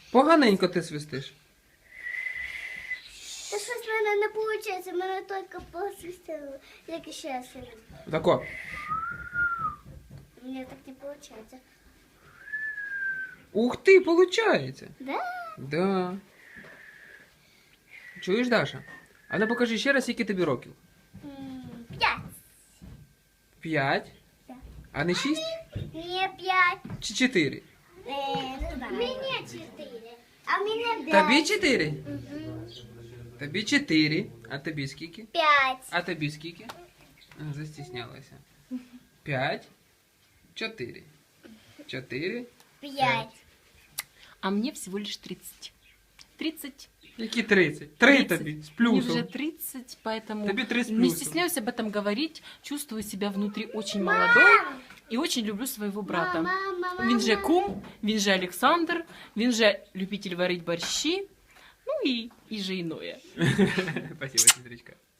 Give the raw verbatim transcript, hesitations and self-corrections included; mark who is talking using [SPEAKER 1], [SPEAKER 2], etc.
[SPEAKER 1] Поганенько ти свистиш.
[SPEAKER 2] Та щось в мене не виходить, в мене тільки посвистіло, як ще раз.
[SPEAKER 1] Тако.
[SPEAKER 2] У мене так не виходить.
[SPEAKER 1] Ух ти, получається.
[SPEAKER 2] Да?
[SPEAKER 1] Да. Чуєш, Даша? А ну покажи ще раз, скільки тобі років.
[SPEAKER 2] М, П'ять.
[SPEAKER 1] П'ять?
[SPEAKER 2] Так.
[SPEAKER 1] А не шість?
[SPEAKER 2] Мені п'ять.
[SPEAKER 1] Чи чотири?
[SPEAKER 2] Е, не знаю. Мені чотири. А мені п'ять.
[SPEAKER 1] Тобі чотири?
[SPEAKER 2] Мгм.
[SPEAKER 1] Тобі чотири. А тобі скільки?
[SPEAKER 2] П'ять.
[SPEAKER 1] А тобі скільки? А, застіснялася. П'ять. Чотири. Чотири.
[SPEAKER 2] П'ять.
[SPEAKER 3] А мне всего лишь тридцать. тридцать.
[SPEAKER 1] Які тридцять? Три
[SPEAKER 3] тридцать.
[SPEAKER 1] тобі. З
[SPEAKER 3] Мне
[SPEAKER 1] плюсом.
[SPEAKER 3] уже тридцать, поэтому
[SPEAKER 1] Тобі три з
[SPEAKER 3] не
[SPEAKER 1] плюсом.
[SPEAKER 3] стесняюсь об этом говорить. Чувствую себя внутри очень молодой и очень люблю своего брата.
[SPEAKER 2] Мама, мама,
[SPEAKER 3] Він же
[SPEAKER 2] мама.
[SPEAKER 3] кум, він же Александр, він же любитель варить борщи, ну и, и же иное.
[SPEAKER 1] Спасибо, сестричка.